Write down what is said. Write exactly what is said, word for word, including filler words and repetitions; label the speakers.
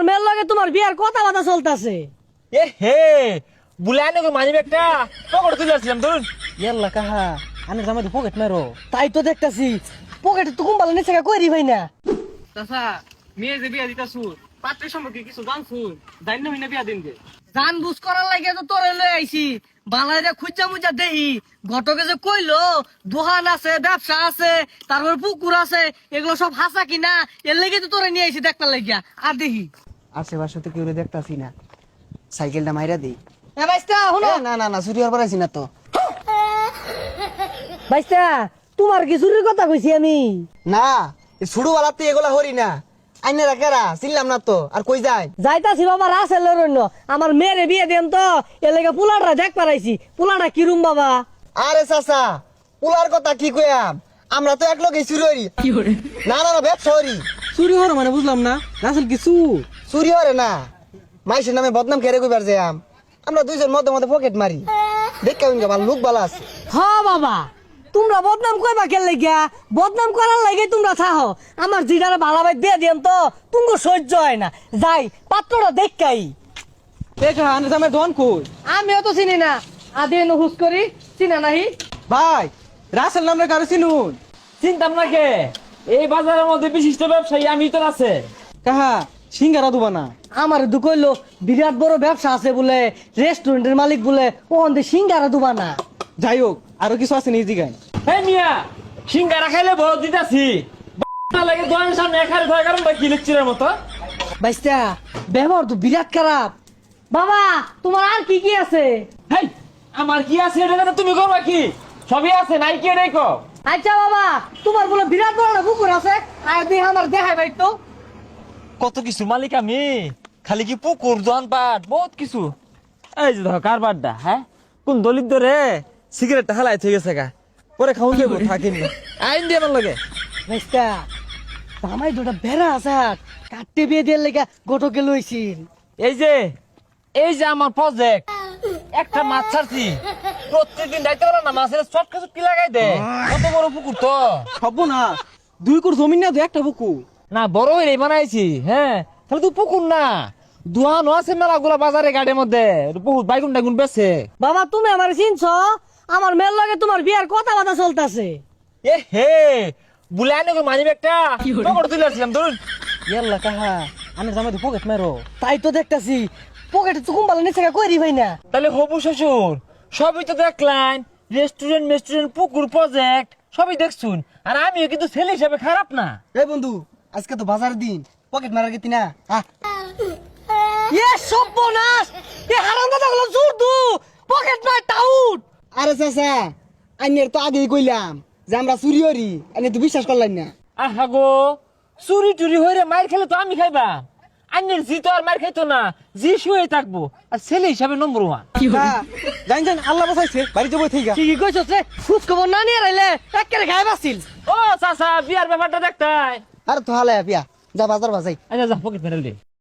Speaker 1: আমার মেয়ের লগে তোমার বিয়ার কথা বাতা চলতেছে।
Speaker 2: এ হে বুলাই নাকি মানি ব্যাগটা পকেটে তুলে আসছিলাম ধরুন।
Speaker 3: ইয়াল্লা কাহা আনে জামাই পকেট মারো।
Speaker 1: তাই তো দেখতাছি পকেটে তো কুম্বালা নিচে করি ভাই না।
Speaker 3: চাচা মেয়ে যে বিয়া দিতা সুর পাত্রের সম্পর্কে কিছু জানছুন জানি না বিয়া দিন যে
Speaker 1: জান বুঝ করার লাগে তো তোরে লই আইছি। বালাইরে খুঁজা মুজা দেহি ঘটকে যে কইলো দোকান আছে ব্যবসা আছে তারপর পুকুর আছে এগুলো সব হাসা কিনা এর লেগে তো তোরে নিয়ে আইছি দেখতে লাগিয়া আর দেখি
Speaker 4: আশেপাশে তো কেউ দেখতাছি না, সাইকেলটা মাইরা দেই।
Speaker 1: এ বাইস্তা শুনো
Speaker 4: এ, না না না চুরি হওয়ার আছি না তো।
Speaker 1: বাইস্তা তোমার কি চুরির কথা কইছি আমি?
Speaker 4: না এই ছোটবেলাতে এগুলা হরি না, আইনে রাখেরা চিনলাম না তো। আর কই যায়
Speaker 1: যাইতাছি বাবা রাসেল রন্য আমার মেয়েরে বিয়ে দেন তো এর লেগে পোলাটা দেখ পারাইছি। পোলাটা কিরম বাবা?
Speaker 4: আরে চাচা পুলার কথা কি কইয়াম, আমরা তো এক লগে চুরি হরি। না না না ব্যবসা হরি।
Speaker 3: চুরি হওয়ার মানে বুঝলাম না রাসেল কিছু
Speaker 4: চুরি হরে না, মাইসের নামে বদনাম কেড়ে কইবার যাম। আমরা দুইজন মধ্যে মধ্যে পকেট মারি, দেখা উনকে ভালো লোক ভালো আছে।
Speaker 1: হ বাবা তোমরা বদনাম কইবা কেন লাগিয়া? বদনাম করার লাগে তোমরা থাহো। আমার জিডারে ভালো ভাই দিয়ে দেন তো তুমি সহ্য হয় না। যাই পাত্রটা দেখাই।
Speaker 3: দেখা আনে জামাই দোকান কই?
Speaker 1: আমিও তো চিনি না, আদি হুস করি চিনা নাহি।
Speaker 3: ভাই রাসেল নামের কারো চিনুন?
Speaker 2: চিন্তাম না কে, এই বাজারের মধ্যে বিশিষ্ট ব্যবসায়ী আমি তো আছে।
Speaker 3: কাহা সিঙ্গারা দুবা না?
Speaker 1: আমার দুঃখ হইলো বিরাট বড় ব্যবসা আছে বলে, রেস্টুরেন্টের মালিক বলে ওখান থেকে সিঙ্গারা দুবা না।
Speaker 3: যাই হোক আরো কিছু আছে নিজ দিগায়।
Speaker 2: হে মিয়া সিঙ্গারা খাইলে বড় দিতাছি লাগে দোকানের সামনে এখানে ধরে কারণ কি লেকচারের মতো।
Speaker 1: বাইস্তা ব্যবহার তো বিরাট খারাপ। বাবা তোমার আর কি কি আছে?
Speaker 2: হেই আমার কি আছে এটা জানো তুমি করবা কি? সবই আছে নাই কি এটাই কো।
Speaker 1: আচ্ছা বাবা তোমার বলে বিরাট বড় একটা পুকুর আছে, আর দিয়ে আমার দেখাই ভাই তো।
Speaker 2: কত কিছু মালিক আমি, খালি কি পুকুর দোকান পাট বহুত কিছু। এই যে ধর কারবারটা, হ্যাঁ কোন দলিত ধরে সিগারেটটা হালাই থেকে গেছে গা, পরে খাউন দেবো থাকিনি আইন দিয়ে আমার লাগে।
Speaker 1: বাইস্তা জামাই দুটা বেড়া আছে কাটতে বিয়ে দিয়ে লেগে গোটকে লইছিল।
Speaker 2: এই যে এই যে আমার প্রজেক্ট, একটা মাছ ছাড়ছি প্রত্যেকদিন দায়িত্ব বলো না মাছের চটকা চটকি লাগাই দে। কত বড় পুকুর তো,
Speaker 3: সব না দুই কোর জমি না দু একটা বুকু
Speaker 2: না বড় হয়ে বানাইছি। হ্যাঁ তাহলে তো পুকুর না দোয়ানো আছে মেলা গুলা বাজারে গাড়ির মধ্যে বহুত বাইগুন টাইগুন বেছে।
Speaker 1: বাবা তুমি আমার চিনছ? আমার মেয়ের লগে তোমার বিয়ার কথা বাতা চলতেছে।
Speaker 2: এ হে বুলাই নাকি মানি ব্যাগটা পকেটে তুলে আসছিলাম ধরুন।
Speaker 3: ইয়াল্লা কাহা আনে জামাই পকেট মারো।
Speaker 1: তাই তো দেখতাছি পকেটে তো কুম্বালা নিচে করি ভাই না।
Speaker 2: তাহলে হবু শ্বশুর সবই তো দেখলেন, রেস্টুরেন্ট মেস্টুরেন্ট পুকুর প্রজেক্ট সবই দেখছুন। আর আমিও কিন্তু ছেলে হিসাবে খারাপ না।
Speaker 4: এই বন্ধু আজকে তো বাজার দিন, পকেট মারার গেতি না। আহ,
Speaker 1: এ সর্বনাশ, এ হারামজাদা গুলো জোর দু পকেট মার টাউট।
Speaker 4: আরে চাচা আইনের তো আগেই কইলাম যে আমরা চুরি হরি, আইনে তো বিশ্বাস করলেন না।
Speaker 2: আহা গো চুরি টুরি হয়ে মার খেলে তো আমি খাইবা, আন্যের জি তো আর মার খাইতো না, জি শুয়ে থাকবো আর ছেলে হিসাবে নম্বর ওয়ান।
Speaker 3: জানি জানি আল্লাহ বাঁচাইছে বাড়িতে বই থেকে।
Speaker 1: কি কি কইছস রে? খোঁজ খবর না নিয়ে রাইলে একেবারে গায়ে বাসিল।
Speaker 2: ও চাচা বিয়ার ব্যাপারটা দেখতাই।
Speaker 4: আরে তো হালে পিয়া যা বাজার বাজাই।
Speaker 2: আচ্ছা যা পকেট মেরে দে।